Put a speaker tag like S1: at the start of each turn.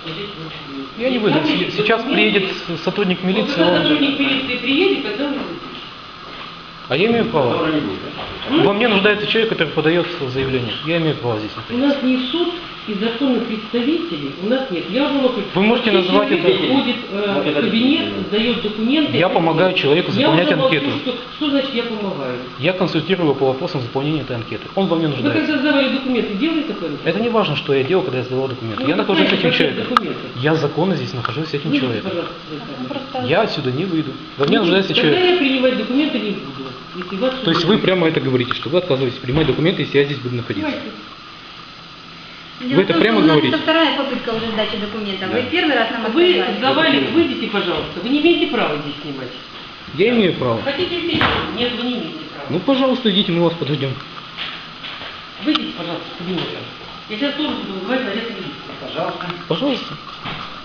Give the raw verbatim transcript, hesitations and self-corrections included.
S1: здесь больше нет.
S2: Я не выйду. Сейчас приедет сотрудник милиции.
S1: Вот когда
S2: он...
S1: сотрудник милиции приедет, тогда вы выйдете.
S2: А я имею право. Во мне нуждается человек, который подает заявление. Я имею право здесь
S1: У
S2: находиться.
S1: нас не суд и законных представителей, у нас нет. Я уже могу...
S2: Вы можете назвать
S1: человек
S2: это-
S1: приходит э, в кабинет, сдает документы.
S2: Я помогаю человеку заполнять
S1: я уже
S2: анкету.
S1: молчу, Что, что значит я помогаю?
S2: Я консультирую его по вопросам заполнения этой анкеты. Он во мне
S1: Вы
S2: нуждается.
S1: когда сдавали документы, делали такое?
S2: Это не важно, что я делал, когда я сдавал документы.
S1: Ну,
S2: Я
S1: вы
S2: нахожусь с
S1: знаете,
S2: этим
S1: какие
S2: человеком.
S1: документы?
S2: Я законно здесь нахожусь с этим
S1: Выйдите,
S2: человеком.
S1: пожалуйста, из камеры.
S2: Я отсюда не выйду. Во мне
S1: Ну,
S2: нуждается
S1: тогда
S2: человек.
S1: я принимать документы не буду. Если вас
S2: То есть вы прямо это говорите, что вы отказываетесь принимать документы, если я здесь буду находиться.
S3: Дело
S2: Вы это
S3: в том,
S2: прямо
S3: что у нас
S2: говорите?
S3: Это вторая попытка уже сдачи документов.
S2: Да.
S3: Вы первый раз нам
S1: Вы
S3: отказали.
S1: сдавали, выйдите, пожалуйста. Вы не имеете права здесь снимать.
S2: Я имею право.
S1: Хотите здесь? Нет, вы не имеете права.
S2: Ну, пожалуйста, идите, мы вас подождем.
S1: Выйдите, пожалуйста, с кабинета. Я сейчас тоже буду вызывать наряд милиции.
S4: Пожалуйста.
S2: Пожалуйста.